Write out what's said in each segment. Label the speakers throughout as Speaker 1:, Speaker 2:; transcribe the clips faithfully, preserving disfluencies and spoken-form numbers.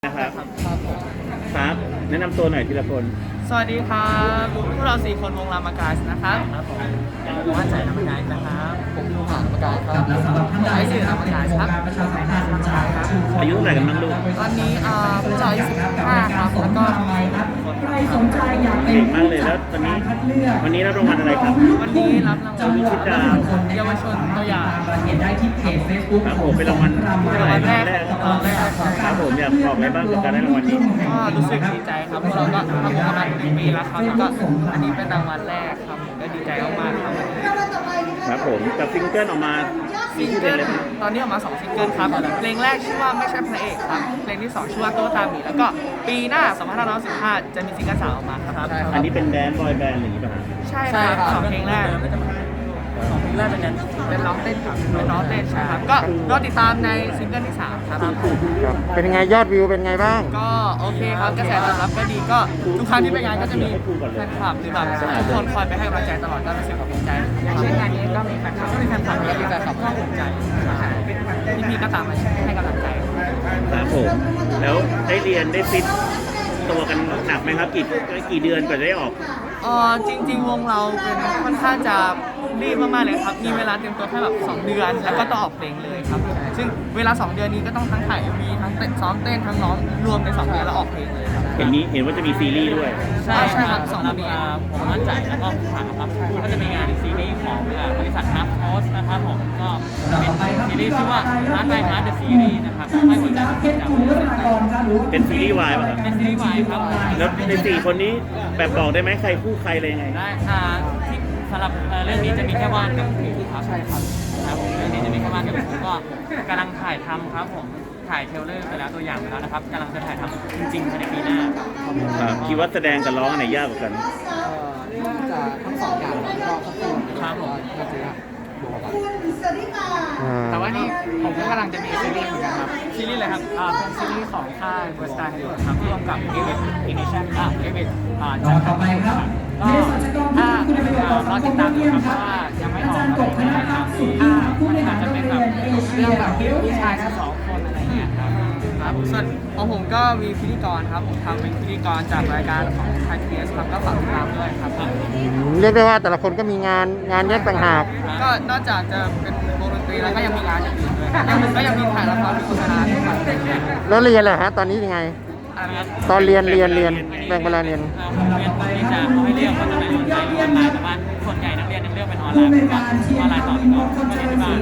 Speaker 1: นะครับ
Speaker 2: ครับผม
Speaker 1: ครับแนะนำตัวหน่อยทีละคน
Speaker 2: สวัสดีครับพวกเราสี่คนวงรามากาสนะครับครับผมผมว่านใจรามากาสนะครับผมดูผ่านรามากาสครับไอ้สื่อรามากาสครับ
Speaker 1: อายุเท่าไหร่กันบ้างลูก
Speaker 2: ตอนนี้อ่าพวกเราอายุสิบห้าครับแล้วก็
Speaker 3: ใครสนใจอยากเป็น
Speaker 1: เก่งมากเลยแล้ววันนี้วันนี้รับรางวัลอะไรครับ
Speaker 2: วันนี้รับรางวัล
Speaker 1: วิชิตดาว
Speaker 2: เยาวชนตัวอย่าง
Speaker 3: เห็นได้ที่เพจ Facebook
Speaker 1: ครับผมเป็นรางวัลที่เท่าไหร่
Speaker 2: แร
Speaker 1: รางวั
Speaker 2: ก
Speaker 1: ลแรก
Speaker 2: รางวัลแรกครับ
Speaker 1: ครับผมอยากบอกอะไรบ้างกับการได้รางวัลนี้
Speaker 2: ก็รู้สึกดีใจครับพวกเราก็ทำวงกันมาหนึ่งปีแล้วครับแล้วก็อันนี้เป็นรางวัลแรกครับผมก็ดีใจมากๆครับวันนี้
Speaker 1: ครับผมกับซิงเกิลออกมามี
Speaker 2: ซิง
Speaker 1: ที่
Speaker 2: เกิ
Speaker 1: เด่น
Speaker 2: ล
Speaker 1: เลยครับ
Speaker 2: ตอนนี้ออกมาสองซิงเกิลครับเพลงแรกชื่อว่าไม่ใช่พระเอกครับเพลงที่สองชื่อว่าตัวตาหมีแล้วก็ปีหน้าสองพันห้าร้อยสิบห้าจะมีซิงเกิลสามออกมาครับ
Speaker 1: อันนี้เป็นแดนซ์บอยแบนด์อย่างนี้ป่ะฮะ
Speaker 2: ใช่ครับสองเพลงแรกสองเพลงแรกเป็นเป็นร้องเต้นครับเป็นร้องเต้นใช่ครับก็รอติดตามในซิงเกิลที่สามครับ
Speaker 4: ครับเป็นยังไงยอดวิวเป็นไงบ้าง
Speaker 2: ก็โอเคครับกระแสตอบรับก็ดีก็ทุกครั้งที่ไปงานก็จะมีแฟนคลับหรือแบบทุกคนคอยไปให้กำลังใจตลอดก็รู้สึกภูมิใจอย่างเช่นงานนี้ก็มีแฟนคลับก็มีแฟนคลับเยอะมีแฟนคลับก็ภูมิใจพี่พี่ๆก็ตามมาให้กำลังใจ
Speaker 1: ครับผมแล้วได้เรียนได้ฟิตตัวกันหนักไหมครับกี่กี่เดือนกว่าจะได้ออก
Speaker 2: เออจริงๆวงเราเป็นค่อนข้างจะรีบมากๆเลยครับ มีเวลาเตรียมตัวแค่แบบสองเดือน แล้วก็ต้องออกเพลงเลยครับ ซึ่งเวลาสองเดือนนี้ก็ต้องทั้งถ่ายเอ็มวีทั้งเต้นซ้อมเต้นทั้งร้องรวมในสองเดือนแล้วออกเพลงเลยครับ
Speaker 1: เห็นนี้เห็นว่าจะมีซีรีส์ด้วย
Speaker 2: ใช่ใช่ครับสองปี
Speaker 5: ผมมั่นใจแล้วก็ผ่านครับก็จะมีงานซีรีส์ของบริษัทฮับโพสนะครับผมก็เป็นซีรีส์ชื่อว่าฮาร์ดไลน์ฮาร์ดเดอะซีรีส์นะครับให้หัวใจของคุณจำ
Speaker 1: เป็นซีรีส์วายป่ะครับ
Speaker 5: เป็นซีรีส์วายครับ
Speaker 1: แล้วในสี่คนนี้แบบบอกได้ไหมใครคู่ใครอะไรยังไง
Speaker 5: ได้อ่าที่สำหรับเรื่องนี้จะมีแค่ว่านกับหมูครับใช่ครับครับผมเรื่องนี้จะมีแค่ว่านกับหมูก็กำลังถ่ายทำครับผมถ่ายเทรลเลอร์ไปแล้วตัวอย่างไปแล้วนะครับกำลังจะถ่ายทำจริงๆภายในปีหน้า
Speaker 1: ครับคิดว่าแสดงกับร้องอันไหนยากกว่ากัน
Speaker 2: น่าจะทั้งสองอย่างแล้วก็ควบคู่
Speaker 5: ครับผม
Speaker 2: ก็จะบวกกัน
Speaker 4: อ่า
Speaker 2: แต่ว่านี่ผมก็กำลังจะมีซีรีส์เหมือนกันครับ ซีรีส์อะไรครับ อ่า เป็นซีรีส์ของค่ายเวอร์สตาร์เฮดครับร่วมกับเอเวอร์อินิชั่นอ่าเอเวอร์อ่าจากต่อไปครับก็ถ้าอ่ารอติดตามดูครับเพราะว่ายังไม่ออกอะไรนะครับถ้ามันอาจจะเป็นแบบเรื่องแบบผู้ชายแค่สองคนอะไรเงี้ยครับครับส่วนของผมก็มีพิธีกรครับ ผมทำเป็นพิธีกรจากรายการของไทยพีเอสครับก็ฝากติดตามด้วยครับ
Speaker 4: เรียกได้ว่าแต่ละคนก็มีงานงานแยกต่างหาก
Speaker 2: ก็นอกจากจะเป็นวงดนตรีแล้วก็ยังมีงานอย่างอื่นด้วยยังมีก็ยังมีถ่ายละครมีโฆษณาด้วยครับ
Speaker 4: แล้วเรียนแหละฮะตอนนี้ยังไง
Speaker 2: อะไรนะ
Speaker 4: ตอนเรียนเรียนเรียนแบ่งเวลาเรียน
Speaker 5: เอ่อผมเรียนที่จะเขาให้เลือกว่าจะไปสนใจเรียนออนไลน์แต่ว่าส่วนใหญ่นักเรียนยังเลือกเป็นออนไลน์ผมก็ออนไลน์ต่อไปก่อนก็เรียนที่บ้าน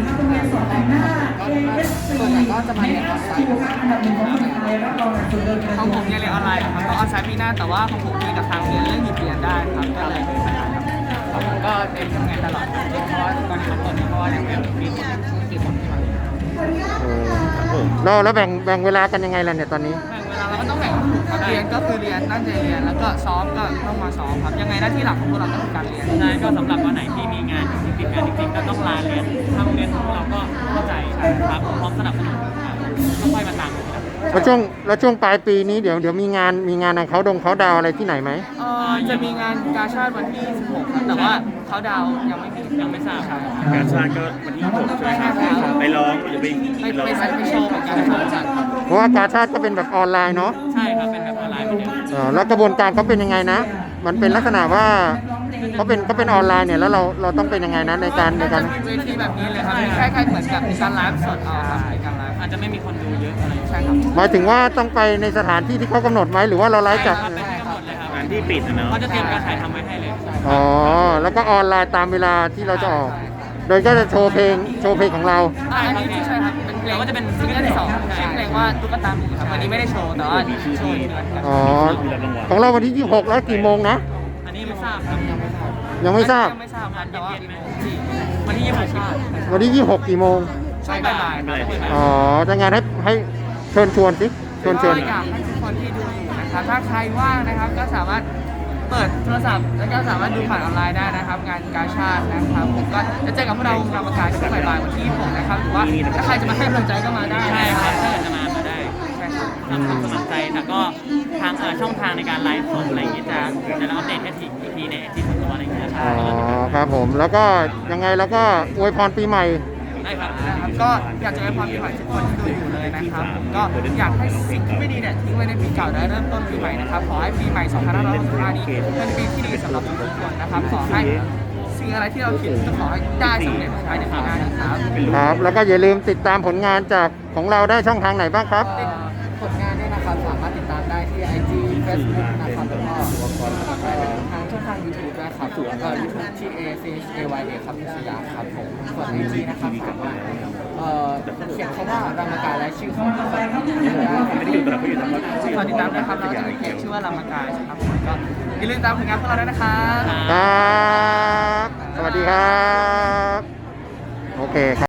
Speaker 2: ส่วนใหญ่ก็จะมาเรียนออนไลน์ของผมเรียนเรียนออนไลน์ครับก็ออนไลน์ปีหน้าแต่ว่าของผมมีกับทางเรียนเรื่องหยุดเรียนได้ครับก็เลยไม่มีปัญหาครับของผมก็เรียนทำงานตลอดเพราะว่าตอนทำตอนนี้เพราะว่ายังไม่มีคนมีคนที่มาเรียน
Speaker 4: เออแล้วแล้วแบ่งแบ่งเวลากันยังไงล่ะเนี่ยตอนนี้
Speaker 2: แบ่งเวลาเราก็ต้องแบ่งครับเรียนก็คือเรียนตั้งใจเรียนแล้วก็ซ้อมก็ต้องมาซ้อมครับยังไงหน้าที่หลักของพวกเราก็คือการเรียน
Speaker 5: ใช่ก็สำหรับวันไหนที่มีงานจริงๆติดงานจริงๆก็ต้องลาเรียนทางโรงเรียนของเราก็เข้าใจครับพร้อมสนับสนุนครับต้องไปมาตามกันครับ
Speaker 4: แล้วช่วงแล้วช่วงปลายปีนี้เดี๋ยวเดี๋ยวมีงานมีงานทางเขาดงเขาดาวอะไรที่ไหนไหม
Speaker 2: เอ่อจะมีงานกาชาติวันที่สิบหกครับแต่ว่าเขาดาวน์ยังไม่มี
Speaker 5: ยังไม่ทราบครับ
Speaker 1: การชาติก็วันที่หกใช่ไหมครับไปร้องหรือไป
Speaker 2: ไป
Speaker 1: ร้อง
Speaker 2: ไปไปโชว์เหมือนกันโชว์จัดครับ
Speaker 4: เพราะว่ากาชาติก็เป็นแบบออนไลน์เนาะ
Speaker 5: ใช่ครับเป็นแบบออนไลน์เหมือนเดิม
Speaker 4: เออแล้วกระบวนการเขาเป็นยังไงนะ มันเป็นลักษณะว่าเขาเป็นเขาเป็นออนไลน์เนี่ยแล้วเราเราต้องเป็นยังไงนะในการใน
Speaker 2: น่า
Speaker 4: การ
Speaker 2: จะมีเวทีแบบนี้เลยครับคล้ายๆเหมือนกับมีการไลฟ์สดเอาครับมีการไลฟ์
Speaker 5: อาจจะไม่มีคนดูเยอะอะไร
Speaker 2: ใช่ครับ
Speaker 4: หมายถึงว่าต้องไปในสถานที่ที่เขากำหนดไหมหรือว่าเราไลฟ์จาก
Speaker 5: เป็นที่กำหนดเลยครับ
Speaker 1: งานที่ปิดนะเนาะ
Speaker 5: เขาจะเตรียมการถ่ายทำไว้ให้เลย
Speaker 4: อ๋อแล้วก็ออนไลน์ตามเวลาที่เราจะออก โดยก็จะโชว์เพลงโชว์เพลงของเรา
Speaker 2: อ่าอันนี้ที่ใช่ครับเป็นเพลงก็จะเป็นซิงเกิลที่สองชื่อเพลงว่าตุ๊กตาหมีครับวันนี้ไม่ได้โชว์แต่ว่าโชว์อยู่นะครับ
Speaker 4: อ๋อของเราวันที่ยี่สิบหกแล้วกี่โมงนะ
Speaker 5: อันนี้ไม่ทราบครับ
Speaker 4: ยังไม่ทราบ
Speaker 2: ยังไม่ทราบครับแต่ว่า
Speaker 5: วันที่ยี่สิบหก
Speaker 4: วันที่ยี่สิบหกกี่โมง
Speaker 2: ช่วงบ่ายๆครับ
Speaker 4: อ๋อจะงานให้ให้เชิญชวนสิเชิญชวน
Speaker 2: ก็อยากให้ทุกคนที่ดูอยู่นะครับถ้าใครว่างนะครับก็สามารถเปิดโทรศัพท์แล้วก็สามารถดูผ่านออนไลน์ได้นะครับ งานกาชาตินะครับผมก็จะเจอกับพวกเราวงรามกาช่วงบ่ายๆวันที่ยี่สิบหกนะครับหรือว่าถ้าใครจะมาให้กำลังใจก็มาได้
Speaker 5: ใช่
Speaker 2: นะ
Speaker 5: ค
Speaker 2: ค
Speaker 5: รั
Speaker 2: รั
Speaker 5: บบ ถ้าอยากจะมามาได้
Speaker 2: ใช่ครับ
Speaker 5: ทำความสมัครใจแต่ก็ทางเอ่อช่องทางในการไลฟ์สดอะไรอย่างงี้จะจะอัปเดตให้ทีอีกทีในที่ส่วนตัวอะไรอย่างเงี้ยค
Speaker 4: อ๋
Speaker 5: รับ
Speaker 4: อครับผมแล้วก็ยังไงแล้วก็อวยพรปีใหม่
Speaker 5: ช่ครับ
Speaker 2: นะครับก็อยากจะให้ความปีใหม่ทุกคนที่ดูอยู่เลยนะครับก็อยากให้สิ่งที่ไม่ดีเนี่ยทิ้งไว้ในปีเก่าและเริ่มต้นปีใหม่นะครับขอให้ปีใหม่สองพันห้าร้อยหกสิบห้านี้เป็นปีที่ดีสำหรับทุกคนนะครับขอให้สิ่งอะไรที่เราคิดจะขอให้ได้สำเร็จภายในปีหน้านะครับ
Speaker 4: ครับ แล้วก็อย่าลืมติดตามผลงานจากของเราได้ช่องทางไหนบ้างครับ
Speaker 2: เอ่อผลงานเนี่ยนะครับสามารถติดตามได้ที่ ไอ จี Facebook นะครับแล้วก็เอ่อทางช่องทาง YouTube นะครับส่วนเอ่อ YouTube ที่ A C H A Y A ครับพิชยาครับผมส่วน ไอ จี นะครับสามารถเอ่อเขียนคำว่ารามกายและชื่อของตัวเองได้
Speaker 1: ไม่ได้อยู่ตลอดไม่อยู่ตลอด
Speaker 2: ฝากติดตามนะครับเราจะมีเพจชื่อว่ารามกายครับผมก็อย่าลืมตามผลงานพวกเราด้วยนะครับ
Speaker 4: ครับ สวัสดีครับ โอเคครับ